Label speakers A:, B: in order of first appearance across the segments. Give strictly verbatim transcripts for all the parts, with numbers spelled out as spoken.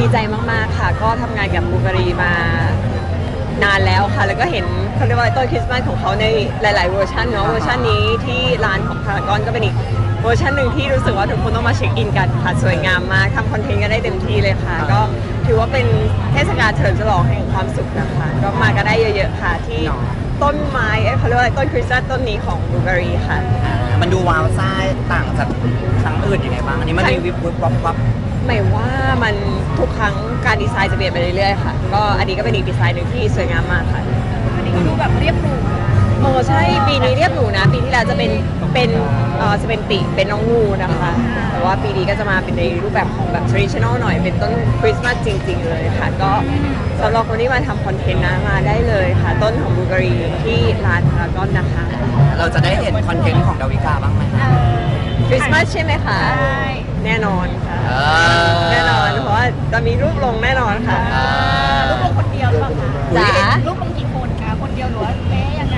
A: ใจมากๆค่ะก็ทำงานกับบูการีมานานแล้วค่ะแล้วก็เห็นเขาเรียกว่าต้นคริสต์มาสของเขาในหลายๆเวอร์ชันเนาะเวอร์ชันนี้ที่ร้านของพารากอนก็เป็นอีกเวอร์ชันหนึ่งที่รู้สึกว่าทุกคนต้องมาเช็คอินกันค่ะสวยงามมากทำคอนเทนต์กันได้เต็มที่เลยค่ะก็ถือว่าเป็นเทศกาลเฉลิมฉลองแห่งความสุขนะคะก็มากันได้เยอะๆค่ะที่ต้นไม้เขาเรียกว่าต้นคริสต์มาสต้นนี้ของบูการีค่ะ
B: มันดูว้าวซ่าต่างจากครั้งอื่นยังไงบ้างอันนี้มันมีวิบวิบวับวับ
A: หมายว่ามันทุกครั้งการดีไซน์จะเปลี่ยนไปเรื่อยๆค่ะก็อันนี้ก็เป็นอีกดีไซน์หนึ่งที่สวยงามมากค่ะ
C: อันนี้ก็ดูแบบเรียบหรู
A: โอ้ใช่ปีนี้เรียบหรูนะปีที่แล้วจะเป็นเป็นเอ่อจะเป็นติเป็นน้องงูนะคะแต่ว่าปีนี้ก็จะมาเป็นในรูปแบบของแบบ traditional หน่อยเป็นต้นคริสต์มาสจริงๆเลยค่ะก็สำหรับคนที่มาทำคอนเทนต์นะมาได้เลยค่ะต้นของบูการีที่ร้านพารากอนนะคะ
B: เราจะได้เห็นคอนเทนต์ของดาวิกาบ้างไหม
A: คริสต์มาสใช่ไหมคะแน่นอนค่ะแน่นอนเพราะว่าจะมีรูปลงแน่นอนค่ะ
C: รูปลงคนเดียวหรือเปล่าคะ
A: จ๋า
C: รูปลงกี่คนคะคนเดียวหรือว่าเป๊ะยังไง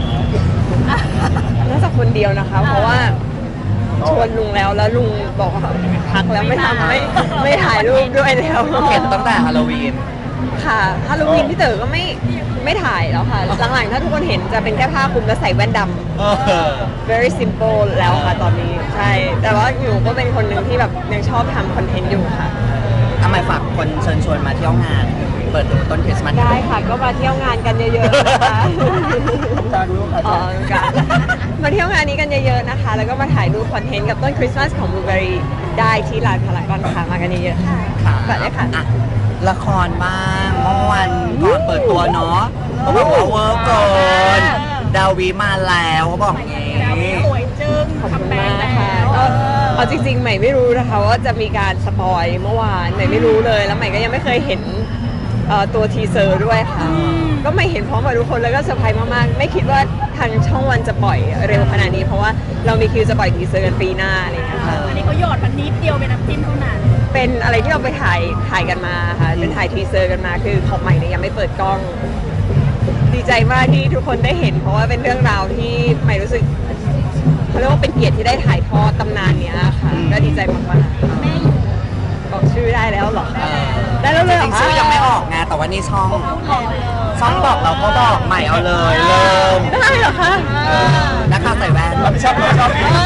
A: น่าจะคนเดียวนะคะเพราะว่าชวนลุงแล้วแล้วลุงบอกว่าพักแล้วไม่ทำไม่ไม่ถ่ายรูปด้วยแล้ว
B: เก็บตั้งแต่ฮาโลวีน
A: ค่ะฮาโลวีนพี่เต๋อก็ไม่ไม่ถ่ายแล้วค่ะหลังๆถ้าทุกคนเห็นจะเป็นแค่ผ้าคลุมแล้วใส่แว่นดำ very simple แล้วค่ะตอนนี้ใช่แต่ว่าหนูก็เป็นคนหนึ่งที่แบบยังชอบทำคอนเทนต์อยู่ค่ะ
B: ทำไมฝากคนเชิญชวนมาเที่ยวงานเปิดดูต้นคริสต์มาส
A: ได้ค่ะก็มาเที่ยวงานกันเยอะๆนะคะอ๋อกันมาเที่ยวงานนี้กันเยอะๆนะคะแล้วก็มาถ่ายรูปคอนเทนต์กับต้นคริสต์มาสของบูการีได้ที่ร้านพารากอนค่ะมากันเยอะๆค่ะฝากด้วยค่ะ
B: ละครบ้างเมื่อวันก่อนเปิดตัวเนาะเขาบอกว่าเวิร์กเกินดาวีมาแล้วเขาบอกอย่างนี้
C: สวยจึ้ง
A: ขอบคุณมากค่ะเอาจริงๆใหม่ไม่รู้นะคะว่าจะมีการสปอยเมื่อวานใหม่ไม่รู้เลยแล้วใหม่ก็ยังไม่เคยเห็นตัวทีเซอร์ด้วยค่ะก็ไม่เห็นพร้อมกับทุกคนแล้วก็เซอร์ไพรส์มากๆไม่คิดว่าทางช่องวันจะปล่อยเร็วขนาดนี้เพราะว่าเรามีคิวจะปล่อยทีเซอร์กันปีหน้าอะไรอย่างเงี้ยค่ะ
C: อันนี้เขาหยอดมันนิดเดียวเป็นน้ำจิ้มเท่านั้น
A: เป็นอะไรที่เราไปถ่ายถ่ายกันมาค่ะเป็นถ่ายทีเซอร์กันมาคือของใหม่เนี่ยยังไม่เปิดกล้องดีใจมากที่ทุกคนได้เห็นเพราะว่าเป็นเรื่องราวที่ใหม่รู้สึกเขาเรียกว่าเป็นเกียรติที่ได้ถ่ายทอดตำนานเนี้ยค่ะก็ดีใจมากๆ
C: แม่อยู่
A: บอกชื่อได้แล้วหรอได้แล้วเลย
B: จริงชื่อยังไม่ออกไงแต่ว่านี่ช่องช่องบอกเราก็บอกใหม่เอาเลยเริ่ม
A: ได้เหรอคะ
B: นักข่าวใส่แว่น
D: ชอบชอบ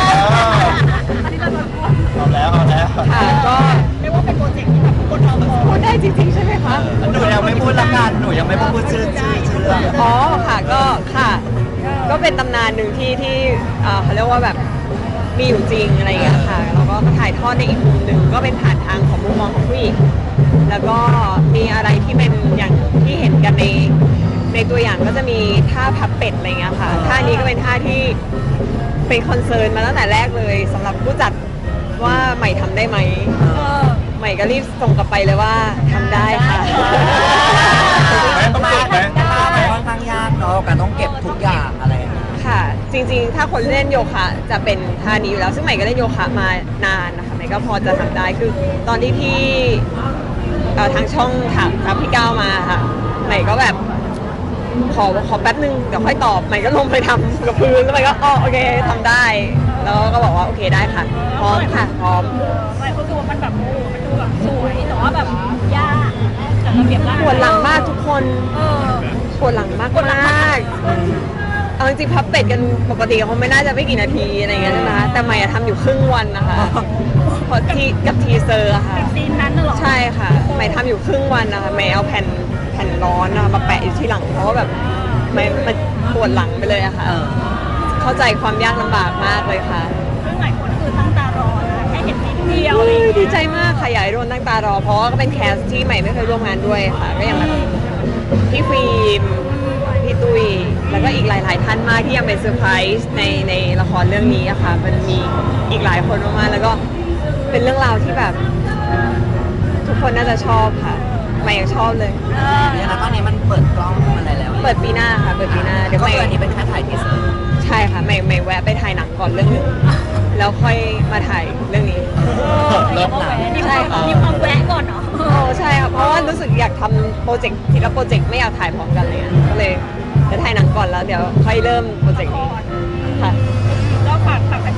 D: เอาแล้วเอาแล้ว
A: ค่ะก็
C: เรียกว่าเป็นโปรเจกต์ที่แบบคนเรา
A: พูดได้จริงๆใช่ไหมคะ
B: หนูยังไม่พูดละกันหนูยังไม่พูดชื่อชื่อชื่อเรื่อง
A: อ๋อค่ะก็ค่ะก็เป็นตำนานหนึ่งที่ที่เขาเรียกว่าแบบมีอยู่จริงอะไรอย่างเงี้ยค่ะแล้วก็ถ่ายทอดในอีกมุมหนึ่งก็เป็นผ่านทางของมุมมองของผู้หญิงแล้วก็มีอะไรที่เป็นอย่างที่เห็นกันในในตัวอย่างก็จะมีท่าพับเป็ดอะไรเงี้ยค่ะท่านี้ก็เป็นท่าที่เป็นคอนเซิร์นมาตั้งแต่แรกเลยสำหรับผู้จัดว่าใหม่ทำได้ไหมใหม่ก็รีบส่งกลับไปเลยว่าทำได้ค่ะ
B: ต้องเก็บไหมค่อนข้างยากเนาะการต้องเก็บทุกอย่างอะไร
A: ค่ะจริงๆถ้าคนเล่นโยคะจะเป็นท่านี้อยู่แล้วซึ่งใหม่ก็เล่นโยคะมานานนะคะใหม่ก็พอจะทำได้คือตอนที่พี่ทางช่องถามครับพี่ก้าวมาค่ะใหม่ก็แบบขอขอแป๊บนึงเดี๋ยวค่อยตอบใหม่ก็ลงไปทำกับพื้นแล้วใหม่ก็อ๋อโอเคทำได้แล้วก็บอกว่าโอเคได้ค่ะพร้อมค่ะพร้อม
C: ใช่ก็คือมันแบบโอ้มันดูแบบสวยแต่ว่าแบบยากแต่ระเบียบมาก
A: ปวดหลังมากทุกคนปวดหลังมากมากเอาจริงๆพับเป็ดกันปกติเขาไม่น่าจะไม่กี่นาทีอะไรเงี้ยใช่ไหมคะแต่ใหม่ทำอยู่ครึ่งวันนะคะเพราะที่กับทีเซอร์ค่ะ
C: ซีนนั้นเหรอ
A: ใช่ค่ะใหม่ทำอยู่ครึ่งวันนะคะใหม่เอาแผ่นแผ่นร้อนมาแปะอยู่ที่หลังเพราะว่าแบบใหม่มันปวดหลังไปเลยอะค่ะเข้าใจความยากลำบากมากเลยค่ะ
C: ซึ่งหลายคนคือตั้งตารอแค่เห็นนิดเดียว
A: ดีใจมากค่ะอยากให้โดนตั้งตารอเพราะว่าก็เป็นแคสที่ใหม่ไม่เคยร่วมงานด้วยค่ะก็อย่างแบบพี่ฟิล์มพี่ตุ้ยแล้วก็อีกหลายๆท่านมากที่ยังเป็นเซอร์ไพรส์ในในละครเรื่องนี้อะค่ะมันมีอีกหลายคนมากๆแล้วก็เป็นเรื่องราวที่แบบทุกคนน่าจะชอบค่ะใหม่ยังชอบเลย
B: เนี่ยนะตอนนี้มันเปิดกล้องอะไรแล้ว
A: เปิดปีหน้าค่ะเปิดปีหน้า
B: เดี๋ยวใหม่อันนี้เป็นแค่ถ่ายทีเซอร์
A: ใช่ค่ะใหม่ใหม่แวะไปถ่ายหนังก่อนเรื่องนึงแล้วค่อยมาถ่ายเรื่องนี้
C: เริ่มหนังใช่ค่ะมีความแวะก่อนเนาะ
A: โอ้ใช่ค่ะเพราะว่ารู้สึกอยากทำโปรเจกต์ทีละโปรเจกต์ไม่อยากถ่ายพร้อมกันเลยก็เลยจะถ่ายหนังก่อนแล้วเดี๋ยวค่อยเริ่มโปรเจกต์นี้ค่ะ
C: ก็ฝากฝากแฟนๆเนาะ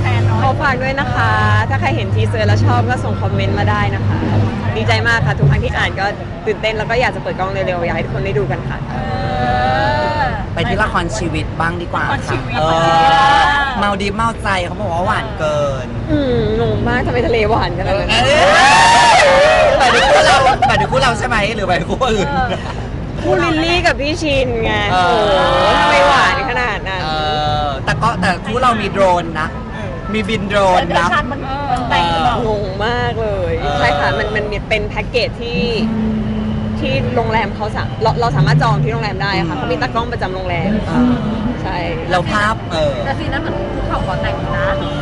A: อฝากด้วยนะคะ ถ้าใครเห็นทีเซอร์แล้วชอบก็ส่งคอมเมนต์มาได้นะคะ ดีใจมากค่ะ ทุกครั้งที่อ่านก็ตื่นเต้นแล้วก็อยากจะเปิดกล้องเร็วๆ อยากให้ทุกคนได้ดูกันค่ะ
B: ไปที่ละครชีวิตบ้างดีกว่า
C: ละครชี
B: ค่ะ
C: วิต
B: เออเมาดีเมาใจเขาบอกว่าหวานเกิน
A: อืมงงมากทำไมทะเลหวานขนาดนั้น
B: เอ้ยหมายถึงคู่เราหมายถึงคู่เราใช่ไหมหรือหมายถึงคู่อื่น
A: คู่ลิลลี่กับพี่ชินไง
B: เอ
A: โอ้
B: อ
A: โหทำไมหวานขนาดนั้น
B: เออแต่ก็แต่คู่เรามีโดรนนะ มีบินโดรน
C: แต่
B: นะ
C: ชันมันมันแต่งหรือเปล่าง
A: งมากเลย
B: เออ
A: ใช่ค่ะ มันมันเป็นแพ็กเกจที่ที่โรงแรมเขาสาเราเราสามารถจองที่โรงแรมได้ค่ะเขามีตากล้องประจำโรงแรม
B: เออ
A: ใช่
B: เราภาพเออ
C: แต่ซีนนั้นเหมือนภูเขาขอแต่งนะ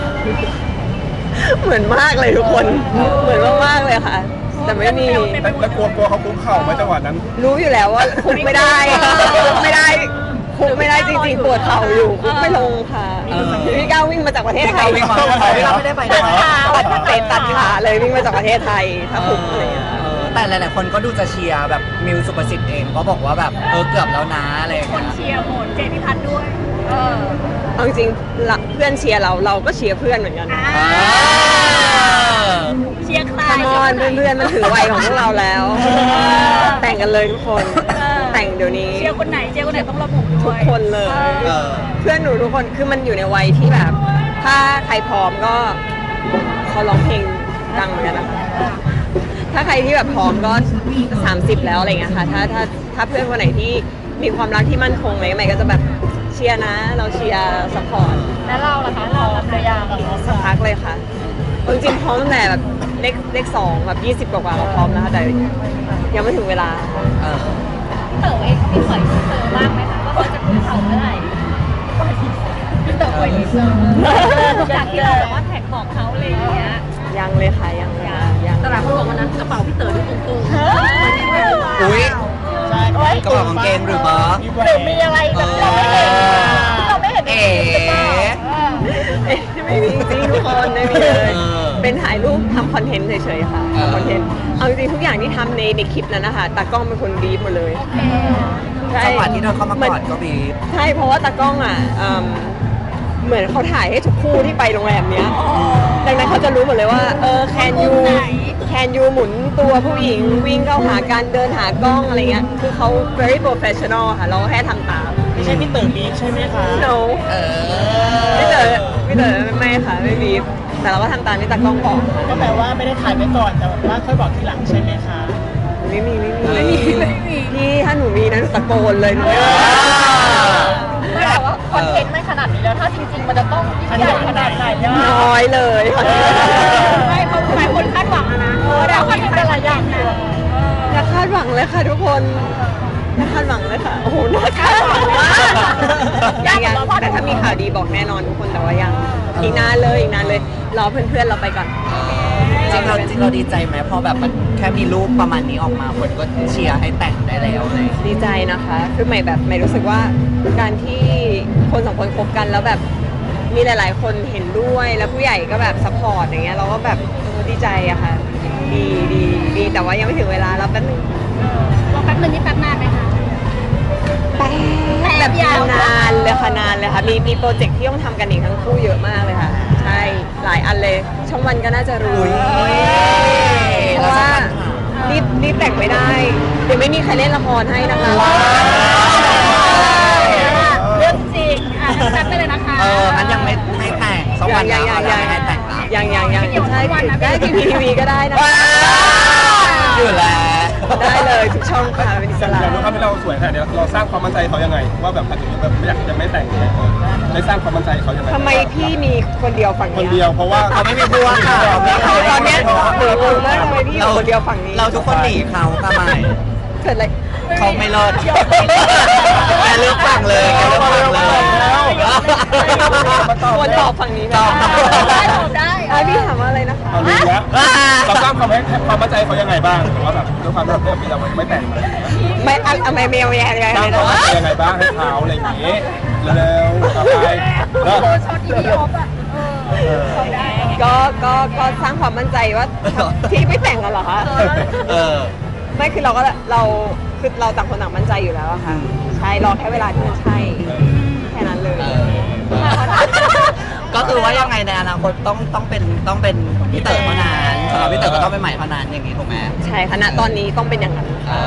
A: เหมือนมากเลยทุกคน เหมือนมากๆเลยค่ะ แต่ไม่มี
D: แล้วแล้วกลัวกลัวเขาคุกเข่าไหมจังหวะนั้น
A: รู้อยู่แล้วว่าคุกไม่ได้คุกไม่ได้คุกไม่ได้จริงๆปวดเข่าอยู่คุกไม่ลงค่ะ
B: เออ
A: พี่ก้าววิ่งมาจากประเทศไทย
B: วิ่งมาจากประเทศไทยเราไม่ได้ไปด้วย
A: ตัดเตะตัดขาเลยวิ่งมาจากประเทศไทยถ้าคุกอะไรอย่างเงี้ย
B: เออแต่หลายๆคนก็ดูจะเชียร์แบบมิวสุประสิทธิ์เองก็บอกว่าแบบเออเกือบแล้วนะอะไรอย่าง
C: คน
B: เงี้ย
C: เชียร์โหนเจนิพัฒน์ด้วย เออ
A: เอาจริงๆละเพื่อนเชียร์เราเราก็เชียร์เพื่อนเหมือนกัน
C: อ่า
B: เออ
C: เชียร์ใคร
A: คามอนเพื่อนๆมันถือวัยของพวกเราแล้ว แต่งกันเลยทุกคน แต่งเดี๋ยวนี้
C: เชียร์คนไหนเชียร์คนไหนต้องระบุด้
A: ทุ
C: ว
A: ก
C: ย
A: คนเลย
B: เออ
A: เพื่อนหนูทุกคนคือมันอยู่ในวัยที่แบบ ถ้าใครพร้อมก็เขาร้องเพลงดังเหมือนกันนะคะถ้าใครที่แบบพร้อมก็สามสิบแล้วอะไรเงี้ยค่ะถ้าถ้าถ้าเพื่อนคนไหนที่มีความรักที่มั่นคงอะไรใหม่ก็จะแบบเชียร์นะ เราเชียร์สปอร์ต
C: แล้วเราล่ะคะเราหรือยัง
A: สักพักเลยค่ะเอาจริงๆพร้อมตั้งแต่แบบเลขเลขสองแบบยี่สิบกว่าๆเราพร้อมนะคะแต่ยังไม่ถึงเวลา
B: เออ
C: พี่เต๋อเองเขามีเผยทีเซอร์บ้างไหมคะว่าเขาจะคุกเข่าเมื่อไหร่พี่เต๋อเผยทีเซอร์จากที่เราแบบว่าแท็กบอกเขาอะไรอย่างเงี้ย
A: ยังเลยค่ะยังเลยค่ะยัง
C: แต่หลายคนบอกวันนั้นกระเป๋าพี่เต๋อดูตุ้งๆ
B: อุ้ย
D: ใช่
B: กระเป๋ากางเกงหรือเปล่า
C: หรือมีอะไรแบบที่เราไม่เห็นที่เราไม่เห็นใน
B: เอ๋
C: คลิปหรือเปล่า
A: เอ๊ะไม่มีจริงทุกคนไม่มีเลย
B: เออ
A: เป็นถ่ายรูปทำคอนเทนต์เฉยๆค่ะ
B: เออ
A: ทำคอนเทนต์เอาจริงๆทุกอย่างที่ทำในในคลิปนั้นนะคะตากล้องเป็นคนบีบหมดเลยใช่
B: จังหวะที่เดินเข้ามากอดก็บีบ
A: ใช่เพราะว่าตากล้องอ่ะเอิ่มเหมือนเขาถ่ายให้ทุกคู่ที่ไปโรงแรมเนี้ยดังนั้นเขาจะรู้หมดเลยว่าเออแคนยูแคนยูหมุนตัวผู้หญิงวิ่งเข้าหาการเดินหากล้องอะไรเงี้ยคือเขา very professional ค่ะเราแค่ทำตาม
D: ไม่ใช่พี่เต๋อบีบใช่ไหมคะ
A: no
B: เออ
A: ไม่เต๋อไม่เต๋อไม่ค่ะไม่บีบแต่เราก็ทำตามที่ตากล้องบอก
D: ก็แปลว่าไม่ได้ถ่ายไปก่อนแต่ว่าค่อยบอกทีหลังใช่ไหมคะ
A: ไม่มีไม่มี
B: เออ
A: ไม่มีไม่มีพี่ถ้าหนูมีนะหนูตะโกนเลยหนูไม่
C: ไม่แต่ว่าคอนเทนต์ไม่ขนาดนี้แล้วถ้าจริงๆมันจะต้องยิ่งใหญ่ขนาดไหนอะ
A: น้อยเลยค่ะ
C: ไม่เขาหลายคนคาดหวังอะนะเออแต่คอนเทนต์แต่ละอย่างนะ
A: อย่าคาดหวังเลยค่ะทุกคนอย่าคาดหวังเลยค่ะโอ้โหน่าคาดหวังมากยังยังแต่ถ้ามีข่าวดีบอกแน่นอนทุกคนแต่ว่ายังอีกนานเลยอีกนานเลยรอเพื่อนๆเราไปก่อน
B: จริงเราจริงเราดีใจไหมพอแบบมันแค่มีรูปประมาณนี้ออกมาคนก็เชียร์ให้แต่งได้แล้วเลย
A: ดีใจนะคะ คือใหม่แบบใหม่รู้สึกว่าการที่คนสองคนคบกันแล้วแบบมีหลาย ๆ คนเห็นด้วยแล้วผู้ใหญ่ก็แบบซัพพอร์ตอย่างเงี้ยเราก็แบบเออดีใจอะค่ะ ดีดีดีแต่ว่ายังไม่ถึงเวลาเราแป๊บนึง
C: รอแป๊บนึงนี่แป๊บนานไหมคะ
A: แป๊บแบบ
C: ยาว
A: นานเลยค่ะนานเลยค่ะมีมีโปรเจกต์ที่ต้องทำกันอีกทั้งคู่เยอะมากเลยค่ะ ใช่หลายอันเลยช่องวันก็น่าจะรู้
B: อุ๊ย
A: เพราะว่ารีบรีบแต่งไม่ได้ เดี๋ยวไม่มีใครเล่นละครให้นะคะ
C: เรื่องจริงอ่ะแป๊บไปเลยนะคะ
B: เอองั้นยังไม่ไม่แต่งสักวัน
A: ยั
B: แล้ว
A: ยัง
B: เอา
A: ยัง
B: แล้วไม่ให้แต่งละ
A: ยังยังยังใช่ได้ทีวีทีวีก็ได้นะ
B: อยู่แล้ว
A: ได้เลยทุกช่องค่ะเป็นอิสระ
D: อย่างรู้ครับที่เราสวยขนาดนี้เราสร้างความมั่นใจเขายังไง ว่าแบบอาจจะแบบไม่อยากจะไม่แต่งเนี่ยได้สร้างความมั่นใจเขายังไง
A: ทำไมพี่มีคนเดียวฝั่ง
D: คน
A: นี้
D: เดียวเพราะว่า
B: เขาไม่มีพวกค่ะ
A: ตอนเนี้ยหนูงงมากทำไมพี่อยู่คนเดียวฝั่งนี้
B: เราทุกคนหนีเขาทำไม
A: เกิดอะไร
B: เขาไม่รอดแกเลือกฝั่งเลยแกเลือกฝั่งเลย
A: ควรตอบฝั่งนี้ไหม
B: ตอบ
C: ได้ตอบได้
A: อ่ะพี่ถามว่าอะไรนะคะ
D: เรารู้แล้วเราสร้างความให้ความมั่นใจเขายังไงบ้างหรือว่าแบบด้วยความที่เราเราไม่แต่งอะไรอย่างเงี้ย
A: ไม่อะอะไม่ไม่ไม่อะไร
D: สร้าง
A: เลย
D: ความ
A: นะ
D: มั่นใจยังไงบ้างให้เขาอะไรอย่างเงี้ยเร็วๆต่อไปแล้ว
C: ช็อตอีพีออฟอ่ะเออตอบได้
A: ก็ก็ก็สร้างความมั่นใจว่าที่ไม่แต่งกันเหรอคะ
B: เออ
A: ไม่คือเราก็เราคือเราต่างคนต่างมั่นใจอยู่แล้วอะค่ะใช่รอแค่เวลาที่มันใช่แค่นั้นเลย
B: เออ ก็ก็คือว่ายังไงในอนาคตต้องต้องเป็นต้องเป็นพี่เต๋อเท่านั้นสำหรับพี่เต๋อก็ต้องเป็นใหม่เท่านั้นอย่างนี้ถูกไหม
A: ใช่ค่ะณตอนนี้ต้องเป็นอย่างนั้น
B: อ่า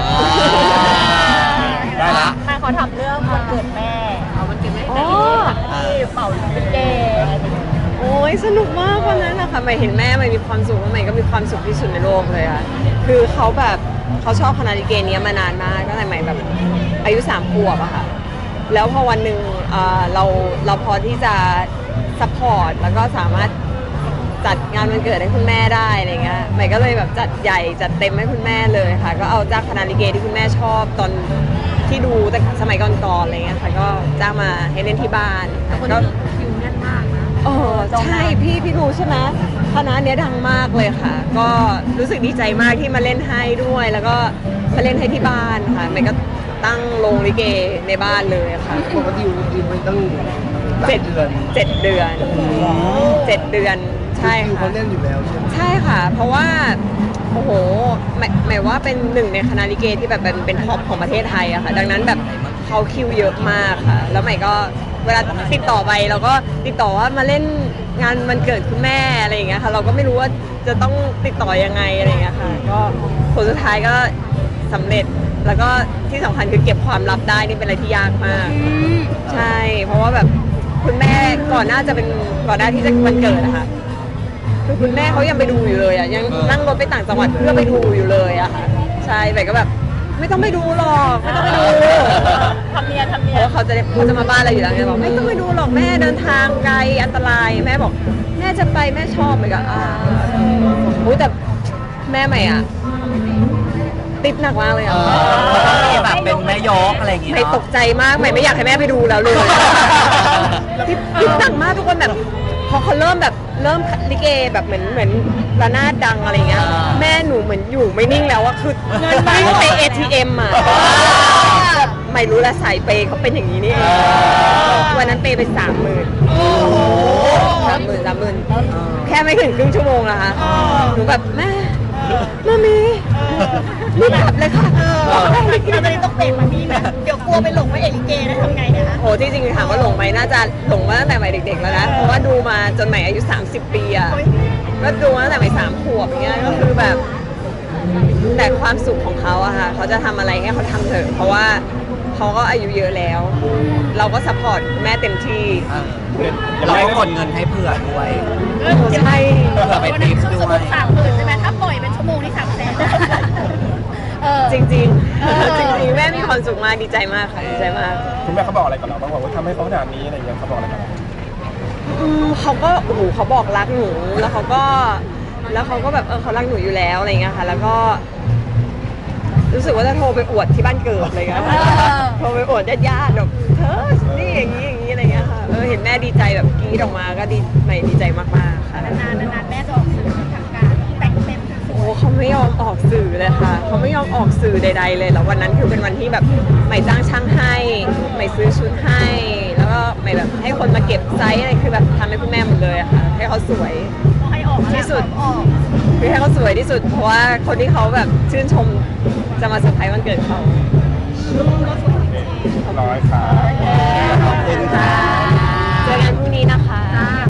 D: ได้ละ
C: ถ้าเขาทำเรื่องวันเกิดแม่เอาวันเกิดแม่แต่ที่เป่าลิเก
A: โอ้ยสนุกมากวันนั้นนะคะใหม่เห็นแม่ใหม่มีความสุขแล้วใหม่ก็มีความสุขที่สุดในโลกเลยอะคือเขาแบบเขาชอบคณะลิเกเนี้ยมานานมากตั้งแต่ใหม่แบบอายุสามขวบอะค่ะแล้วพอวันหนึ่งเอ่อเราเราพอที่จะซัพพอร์ตแล้วก็สามารถจัดงานวันเกิดให้คุณแม่ได้อะไรเงี้ยใหม่ก็เลยแบบจัดใหญ่จัดเต็มให้คุณแม่เลยค่ะก็เอาจ้างคณะลิเกที่คุณแม่ชอบตอนที่ดูแต่สมัยก่อนๆอะไรเงี้ยค่ะก็จ้างมาให้เล่นที่บ้านก็
C: คิวแน่นมากนะ
A: เออใช่พี่พี่รู้ใช่ไหมคณะเนี้ยดังมากเลยค่ะ ก็รู้สึกดีใจมากที่มาเล่นให้ด้วย แล้วก็มาเล่นให้ที่บ้านค่ะใหม่ก็ตั้งโรงลิเกในบ้านเลยค่ะ
E: ปกติดิวไปตั้งหลาย
A: เจ็ด
E: เดือน
A: เจ็ดเดือนเจ็ดเดือนใช่
E: ดิว
A: ค่ะ
E: เขาเล่นอยู่แล้วใช่ไหม
A: ใช่ค่ะ เพราะว่าโอ้โหหมายหมายว่าเป็นหนึ่งในคณะลิเกที่แบบเป็นเป็นท็อปของประเทศไทยอะค่ะ ดังนั้นแบบเขาคิวเยอะมากค่ะ แล้วใหม่ก็เวลาติดต่อไปเราก็ติดต่อว่ามาเล่นงานวันเกิดคุณแม่อะไรอย่างเงี้ยค่ะ เราก็ไม่รู้ว่าจะต้องติดต่อยังไงอะไรอย่างเงี้ยค่ะ ก็ผลสุดท้ายก็สำเร็จ แล้วก็ที่สำคัญคือเก็บความลับได้นี่เป็นอะไรที่ยากมาก ใช่ เพราะว่าแบบคุณแม่ก่อนหน้าจะเป็นก่อนหน้าที่จะวันเกิดอะค่ะ คือคุณแม่เขายังไปดูอยู่เลยอ่ะยังนั่งรถไปต่างจังหวัดเพื่อไปดูอยู่เลยอะค่ะใช่แต่ก็แบบไม่ต้องไปดูหรอกไม่ต้องไปดู
C: ทำเนียนทำ
A: เพ
C: เนีย
A: ราะ
C: น
A: ว่าเขาจะได้เขาจะมาบ้านเราอยู่แล้วไงบอกไม่ต้องไปดูหรอกแม่เดินทางไกลอันตรายแม่บอกแม่จะไปแม่ชอบเหมือนกันอ่าโอ้ยแต่แม่ใหม่อ่ะติดหนักมากเลย
B: เอ
A: อ่ะ
B: อต้องมีแบบเป็นแม่ยกอะไรอย่างงี้
A: ใหม่
B: เนาะ
A: ตกใจมากใหม่ไม่อยากให้แม่ไปดูแล้วเลยติดติดหนักมากทุกคนแบบพอเขาเริ่มแบบเริ่มลิเกแบบเหมือนเหมือนระนาดดังอะไรเงี้ยแม่หนูเหมือนอยู่ไม่นิ่งแล้วอะคือเงินวิ่งไป เอ ที เอ็ม อะไม่รู้ละสายเปย์เขาเป็นอย่างนี้นี่เองวันนั้นเปย์ไปสามหมื่นสามหมื่นสามหมื่นแค่ไม่ถึงครึ่งชั่วโมงนะคะหนูแบบแม่แม่มีรีบกลับเลยค่ะ
C: เราจะต้องเปลี่ยนมานี่นะเดี๋ยวกลัวไปหลงว่าเอลิเกได้ทำไงเนี่ยคะ
A: โหที่จริงถามว่าหลงไหมน่าจะหลงมาตั้งแต่ใหม่เด็กๆแล้วนะ เพราะว่าดูมาจนใหม่อายุ สามสิบ ปีอะก็ดูมาตั้งแต่ใหม่สามขวบอย่างเงี้ยก็คือแบบ แต่ความสุขของเขาอะค่ะเขาจะทำอะไรให้เขาทำเถอะ เพราะว่าเขาก็อายุเยอะแล้ว เราก็ซัพพอร์ตแม่เต็มที่
B: เออเราก็กดเงินให้เผื่อด้วย
A: ใช่
B: เผื่อไปทริปด้วย
C: สามหมื่นใช่ไหมถ้าปล่อยเป็นชั่วโมงนี่สามแสนเออ
A: จริง
C: เออ
A: ๆ จริงๆ แม่มีความสุขมากดีใจมากค่ะดีใจมาก
D: คุณแม่เขาบอกอะไรกับเราบ้างว่าทำให้เขาขนาดนี้อะไรอย่างเงี้ยเขาบอกอะไรกับเรา
A: อืมเขาก็โอ้โหเขาบอกรักหนูแล้วเขาก็แล้วเขาก็แบบเออเขารักหนูอยู่แล้วอะไรเงี้ยค่ะ แล้วก็ รู้สึกว่าจะโทรไปอวดที่บ้านเกิดอะไรเงี้ยโทรไปอวดญาติๆแบบเธอนี่อย่างนี้อย่างนี้อะไรเงี้ยค่ะเออเห็นแม่ดีใจแบบกรี๊ดออกมาก็ดีใหม่ดีใจมากๆค่ะ
C: นานๆนานๆแม่จะออกสื่อทางการแต่งเต็ม
A: โอ้เขาไม่ยอมออกสื่อเลยค่ะเขาไม่ยอมออกสื่อใด ๆ เลยแล้ววันนั้นคือเป็นวันที่แบบใหม่จ้างช่างให้ใหม่ซื้อชุดให้ แล้วก็ใหม่แบบให้คนมาเก็บไซส์อะไรคือแบบทำให้คุณแม่หมดเลยอะค่ะให้เขาสวย
C: ให้ออก
A: ที่สุด
C: ออก
A: คือให้เขาสวยที่สุดเพราะว่าคนที่เขาแบบชื่นชมจะมาเซอร์ไพรส์วันเกิดเขา
D: ร้อยค่ะ
A: ขอบคุณค่ะเจอกันพรุ่งนี้นะคะ